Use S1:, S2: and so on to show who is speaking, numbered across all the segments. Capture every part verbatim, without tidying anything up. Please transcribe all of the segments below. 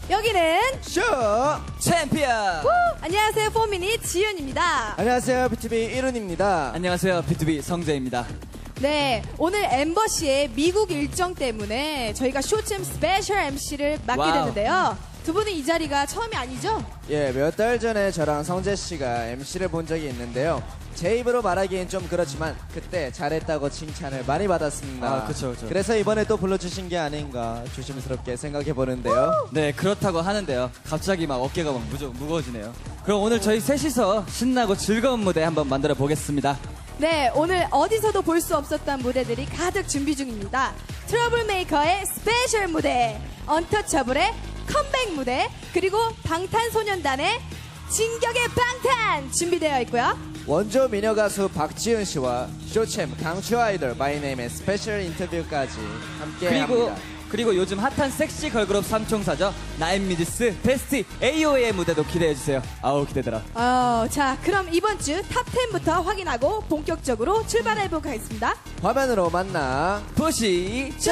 S1: 여기는
S2: 쇼!
S3: 챔피언!
S1: 우! 안녕하세요, 포미닛 지윤입니다.
S2: 안녕하세요, 비투비 일훈입니다.
S3: 안녕하세요, 비투비 성재입니다.
S1: 네, 오늘 엠버 씨의 미국 일정 때문에 저희가 쇼챔 스페셜 엠씨를 맡게
S3: 와우.
S1: 됐는데요. 두 분은 이 자리가 처음이 아니죠?
S2: 예, 몇 달 전에 저랑 성재 씨가 엠씨를 본 적이 있는데요. 제 입으로 말하기엔 좀 그렇지만 그때 잘했다고 칭찬을 많이 받았습니다.
S3: 아, 그쵸, 그쵸.
S2: 그래서 이번에 또 불러주신 게 아닌가 조심스럽게 생각해 보는데요.
S3: 네, 그렇다고 하는데요. 갑자기 막 어깨가 막 무저, 무거워지네요. 그럼 오늘 저희 셋이서 신나고 즐거운 무대 한번 만들어 보겠습니다.
S1: 네, 오늘 어디서도 볼 수 없었던 무대들이 가득 준비 중입니다. 트러블 메이커의 스페셜 무대, 언터처블의 컴백 무대, 그리고 방탄소년단의 진격의 방탄 준비되어 있고요.
S2: 원조 미녀 가수 박지은 씨와 쇼챔 강추 아이돌 마이네임의 스페셜 인터뷰까지 함께
S3: 그리고
S2: 합니다.
S3: 그리고 요즘 핫한 섹시 걸그룹 삼총사죠. 나인미디스, 베스티, 에이오에이의 무대도 기대해주세요. 아우 기대되라.
S1: 어, 자, 그럼 이번 주 탑 텐부터 확인하고 본격적으로 출발해보도록 하겠습니다.
S2: 화면으로 만나
S3: 보시죠.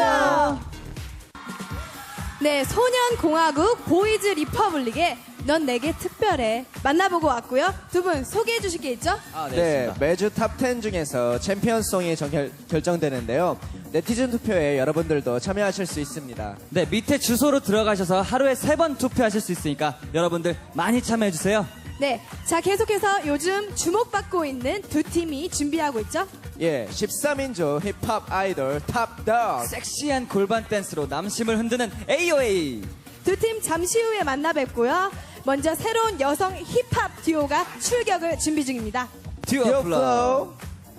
S1: 네, 소년공화국 보이즈 리퍼블릭의 넌 내게 특별해 만나보고 왔고요. 두 분 소개해 주실 게 있죠?
S3: 아, 네,
S2: 네,
S3: 있습니다.
S2: 매주 탑 텐 중에서 챔피언송이 정결, 결정되는데요. 네티즌 투표에 여러분들도 참여하실 수 있습니다.
S3: 네, 밑에 주소로 들어가셔서 하루에 세 번 투표하실 수 있으니까 여러분들 많이 참여해주세요.
S1: 네, 자, 계속해서 요즘 주목받고 있는 두 팀이 준비하고 있죠?
S2: 예, 십삼 인조 힙합 아이돌 탑덕.
S3: 섹시한 골반 댄스로 남심을 흔드는 에이오에이.
S1: 두 팀 잠시 후에 만나 뵙고요. 먼저 새로운 여성 힙합 듀오가 출격을 준비 중입니다.
S3: 듀오
S2: 듀오
S3: 플로우.
S2: 플로우.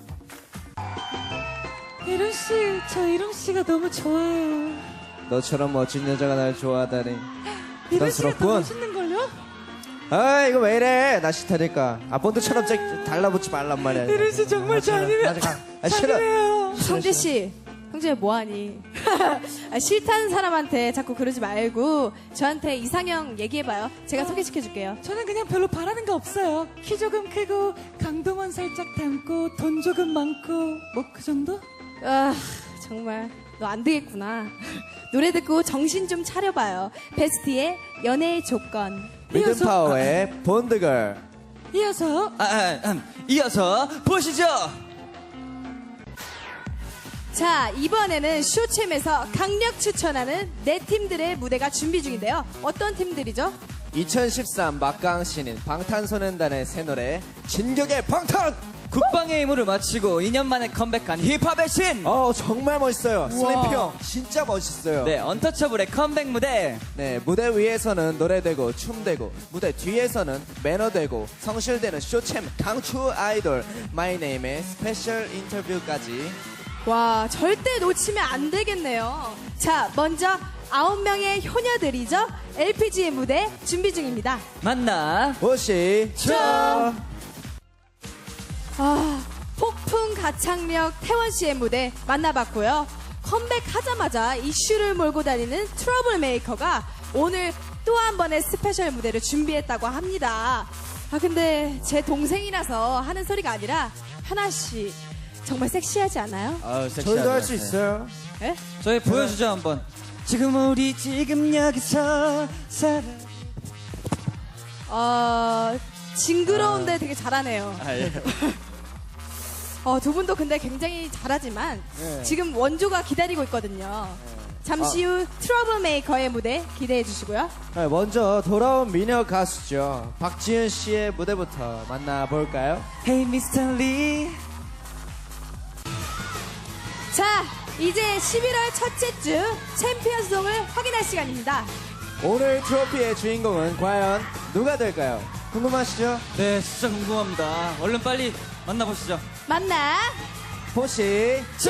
S4: 이룬 씨, 저 이룬 씨가 너무 좋아요.
S2: 너처럼 멋진 여자가 날 좋아하다니
S4: 이룬 씨가 더
S2: 부담스럽군.
S4: 멋있는 걸요?
S2: 아, 이거 왜 이래? 나 싫다니까. 아, 본드처럼 저 달라붙지 말란 말이야.
S4: 이룬 씨 정말 저 아니면
S2: 아직 안- 아, 싫어.
S4: 아니에요.
S1: 성재 씨, 성재 뭐하니? 아, 싫다는 사람한테 자꾸 그러지 말고 저한테 이상형 얘기해봐요. 제가 소개시켜줄게요.
S4: 저는 그냥 별로 바라는 거 없어요. 키 조금 크고 강동원 살짝 닮고 돈 조금 많고 뭐 그 정도?
S1: 아, 정말 너 안 되겠구나. 노래 듣고 정신 좀 차려봐요. 베스티의 연애의 조건.
S2: 리듬 파워의 본드걸.
S4: 이어서
S3: 아, 아, 음, 이어서 보시죠.
S1: 자, 이번에는 쇼챔에서 강력 추천하는 네 팀들의 무대가 준비 중인데요. 어떤 팀들이죠?
S2: 이천십삼 막강 신인 방탄소년단의 새 노래 진격의 방탄.
S3: 국방의 임무를 마치고 이 년 만에 컴백한 힙합의 신.
S2: 어, 정말 멋있어요. 슬리피 형 진짜 멋있어요.
S3: 네, 언터처블의 컴백 무대.
S2: 네, 무대 위에서는 노래되고 춤되고 무대 뒤에서는 매너되고 성실되는 쇼챔 강추 아이돌 마이네임의 스페셜 인터뷰까지.
S1: 와, 절대 놓치면 안 되겠네요. 자, 먼저 아홉 명의 효녀들이죠. 엘피지의 무대 준비 중입니다.
S3: 만나
S2: 보시죠.
S1: 아, 폭풍 가창력 태원 씨의 무대 만나봤고요. 컴백하자마자 이슈를 몰고 다니는 트러블 메이커가 오늘 또 한 번의 스페셜 무대를 준비했다고 합니다. 아, 근데 제 동생이라서 하는 소리가 아니라 하나 씨 정말 섹시하지 않아요?
S3: 아우,
S2: 저희도 할 수 있어요.
S1: 예?
S3: 저희 보여주죠 한번. 지금 우리 지금 여기서 살아.
S1: 어, 징그러운데 되게 잘하네요.
S3: 아, 예.
S1: 어, 두 분도 근데 굉장히 잘하지만
S2: 네.
S1: 지금 원조가 기다리고 있거든요. 잠시 후 트러블 메이커의 무대 기대해 주시고요.
S2: 네, 먼저 돌아온 미녀 가수죠. 박지은 씨의 무대부터 만나볼까요?
S3: Hey 미스터 리.
S1: 자, 이제 십일월 첫째 주 챔피언송을 확인할 시간입니다.
S2: 오늘 트로피의 주인공은 과연 누가 될까요? 궁금하시죠?
S3: 네, 진짜 궁금합니다. 얼른 빨리 만나보시죠.
S1: 만나
S2: 보시죠.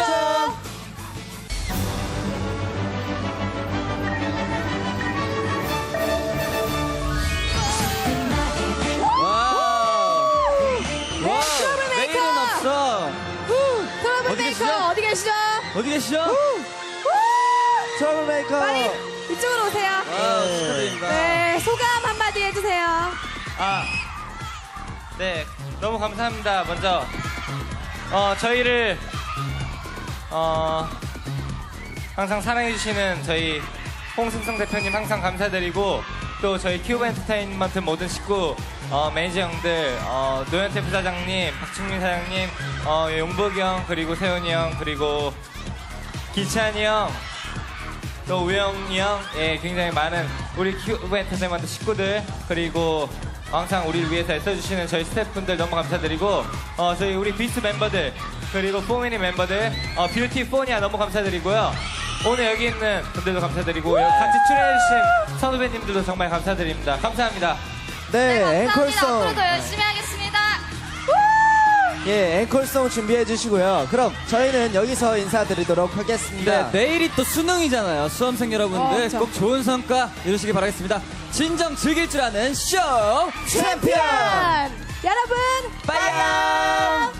S3: 와우.
S1: 네,
S3: 와우.
S1: 트러블 메이커.
S3: 내일은 없어.
S1: 트러블
S3: 어디
S1: 메이커
S3: 계시죠?
S1: 어디 계시죠?
S3: 어디 계시죠?
S2: 트러블메이커.
S1: 빨리 이쪽으로 오세요.
S3: 와, 축하드립니다.
S1: 네, 소감 한마디 해주세요.
S5: 아, 네, 너무 감사합니다. 먼저, 어, 저희를, 어, 항상 사랑해주시는 저희 홍승성 대표님 항상 감사드리고 또 저희 큐브 엔터테인먼트 모든 식구 어, 매니저 형들 어, 노현태 부사장님, 박충민 사장님, 어, 용복이 형 그리고 세훈이 형 그리고 기찬이 형 또 우영이 형, 예, 굉장히 많은 우리 큐브 엔터테인먼트 식구들 그리고 항상 우리를 위해서 애써주시는 저희 스태프분들 너무 감사드리고 어, 저희 우리 비스 멤버들 그리고 포미니 멤버들 어, 뷰티 포니아 너무 감사드리고요. 오늘 여기 있는 분들도 감사드리고 같이 출연해주신 선후배님들도 정말 감사드립니다. 감사합니다.
S2: 네, 앵콜송.
S6: 앞으로도 열심히 하겠습니다.
S2: 예, 앵콜송 준비해 주시고요. 그럼 저희는 여기서 인사드리도록 하겠습니다.
S3: 네, 내일이 또 수능이잖아요. 수험생
S1: 어,
S3: 여러분들
S1: 그쵸.
S3: 꼭 좋은 성과 이루시기 바라겠습니다. 진정 즐길 줄 아는 쇼
S2: 챔피언!
S1: 여러분,
S3: 빠이야!